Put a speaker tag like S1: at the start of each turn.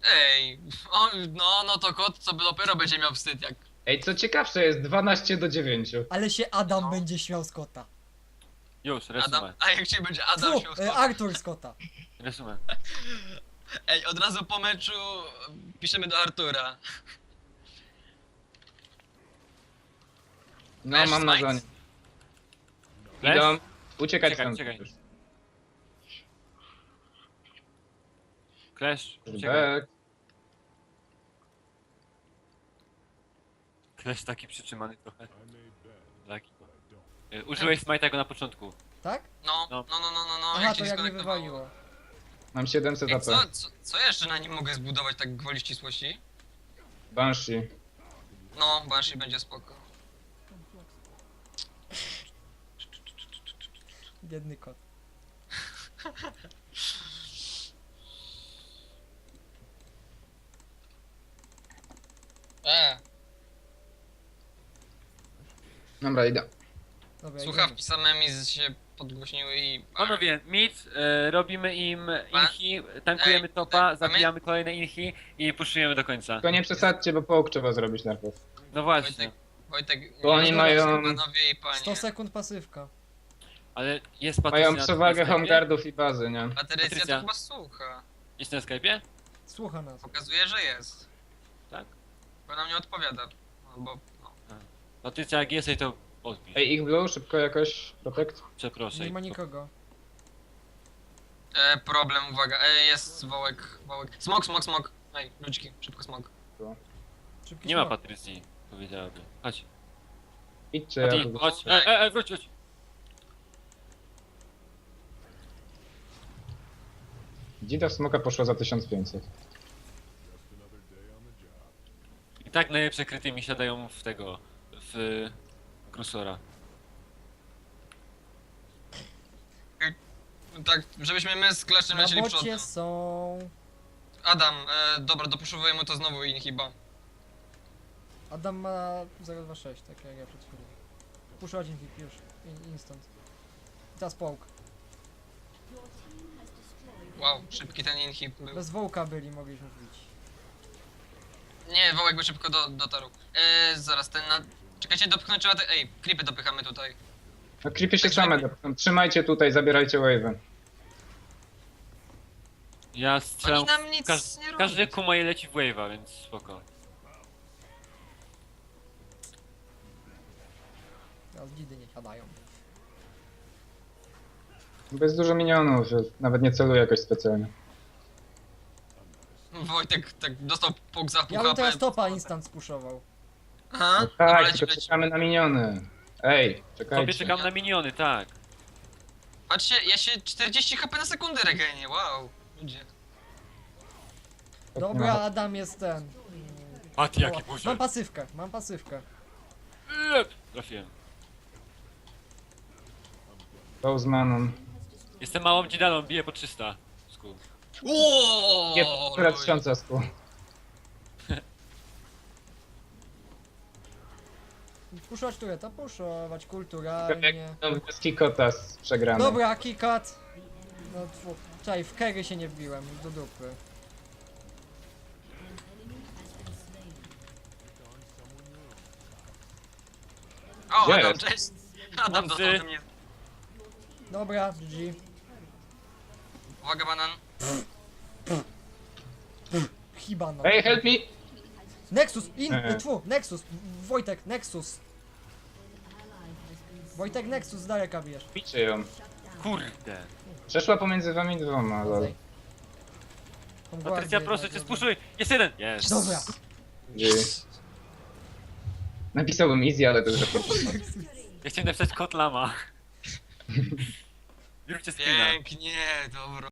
S1: Ej, no to kot, co by dopiero będzie miał wstyd, jak...
S2: Ej, co ciekawsze jest 12-9.
S3: Ale się Adam
S1: No.
S3: będzie śmiał z kota.
S4: Już,
S1: Adam,
S4: resumę.
S1: a jak ci będzie Adam
S3: Fu,
S1: śmiał z kota?
S3: Artur z kota.
S4: Resumę.
S1: Ej, od razu po meczu piszemy do Artura.
S2: No,
S1: Flash
S2: mam na
S1: Smites?
S2: zonie.
S4: Flash?
S2: Idą. Uciekać
S4: Czekaj,
S2: stąd.
S4: czekaj. Clash, uciekaj.
S2: Back.
S4: Clash taki przytrzymany trochę. Taki. Użyłeś smite'ego na początku.
S3: Tak?
S1: No,
S3: Aha,
S1: jak
S3: to
S1: ci
S3: jak mnie
S1: skonektowało.
S3: wywaliło.
S2: Mam 700
S1: Ej,
S2: AP.
S1: co jeszcze na nim mogę zbudować tak gwoli ścisłości?
S2: Banshee.
S1: No, Banshee będzie spoko.
S3: Biedny kot.
S2: Dobra, idę.
S3: Dobra,
S1: Słuchawki same mi się podgłośniły i...
S4: Panowie, mid, robimy im inhi, tankujemy
S1: Ej,
S4: topa,
S1: a my-
S4: zabijamy kolejne inhi i puszujemy do końca.
S2: Tylko nie przesadźcie, bo połk trzeba zrobić najpierw.
S4: No właśnie,
S1: Wojtek,
S2: Bo oni mają-
S1: panowie i panie.
S3: 100 sekund pasywka.
S4: ale jest Patrycja
S2: Mają
S4: na
S2: przewagę
S4: Skype'ie?
S2: homeguardów i bazy, nie?
S1: Patrycja
S4: Patrycja.
S1: to chyba słucha.
S4: Jest na Skype'ie?
S3: Słucha nas.
S1: Pokazuje, że jest.
S4: Tak.
S1: Bo nam nie odpowiada. Albo, no.
S4: Patrycja, jak jesteś, to odpisz.
S2: Ej, ich blue, szybko jakoś, protect.
S4: Przeproszę.
S3: Nie ma nikogo.
S1: Problem, uwaga. Jest wołek. Smok. Ej, ludziki, szybko smok.
S3: Szybki
S4: Nie ma
S3: smok.
S4: Patrycji, powiedziałaby. Chodź,
S2: Idźcie, ja
S4: Patty,
S2: tu...
S4: chodź. Wróć.
S2: Dzida w smoka poszła za 1500.
S4: I tak najlepsze kryty mi siadają w tego, w Grusora.
S1: Tak, żebyśmy my z Clashem
S3: Na
S1: lecieli
S3: bocie
S1: przodem.
S3: są...
S1: Adam, dobra, dopuszczowuję mu to znowu inhiba.
S3: Adam ma 026, tak jak ja przed chwilą. Puszczać hit już. Instant. I teraz połk.
S1: Wow, szybki ten inhib był.
S3: Bez wołka byli, mogliśmy wbić.
S1: Nie, wołek by szybko dotarł. Zaraz, ten na... Czekajcie, dopchnąć trzeba te... Ej, creepy dopychamy tutaj.
S2: No creepy się
S1: Tak,
S2: same
S1: żeby-
S2: dopną. Trzymajcie tutaj, zabierajcie wave'y.
S4: Ja strzelam,
S1: Oni nam nic nie robią.
S4: każdy kumaje leci w wave'a, więc spoko.
S3: Teraz dzidy nie siadają.
S2: Bez dużo minionów, że nawet nie celuję jakoś specjalnie.
S1: Wojtek tak dostał pok za pół
S3: Ja bym
S1: HP.
S3: teraz topa instant spuszował.
S1: Aha,
S2: No
S1: dobra,
S2: tak,
S1: leci,
S2: tylko
S1: leci.
S2: czekamy na miniony. Ej,
S4: Tobie
S2: czekajcie.
S4: czekam na miniony, tak.
S1: Patrzcie, ja się 40 HP na sekundę regenię, wow. Ludzie.
S3: Dobra, Adam jest ten.
S4: Patty, jaki
S3: Mam
S4: buziak.
S3: pasywkę.
S4: Trafiłem.
S2: To z maną.
S4: Jestem małą dzidalą, biję po 300. Skół.
S2: Nie,
S1: Uuuu,
S2: która 1000 sku.
S3: Puszować tureta, puszować kulturalnie.
S2: Bez kikota przegramy.
S3: Dobra, kikat. No tfu. Czekaj, w kery się nie wbiłem, do dupy.
S1: O,
S2: Gdzie
S1: Adam,
S2: jest?
S1: cześć. Adam
S4: Mocy.
S1: dostał ode mnie.
S3: Dobra, GG.
S1: Uwaga, banan.
S3: Hibana.
S2: Ej, help me!
S3: Nexus, Nexus. Wojtek, Nexus. Wojtek, Nexus, z daleka bijesz.
S2: Bicie ją.
S4: Kurde.
S2: Przeszła pomiędzy wami dwoma, lol.
S3: Zej. Tą
S4: Patrycja,
S3: gwardię
S4: proszę
S3: jednak
S4: cię,
S3: robię.
S4: spuszuj! Jest jeden! Jest!
S3: Dobra.
S2: Napisałbym easy, ale to już
S4: Ja chciałem napisać kot lama. Zróbcie screena.
S1: Pięknie, dobro.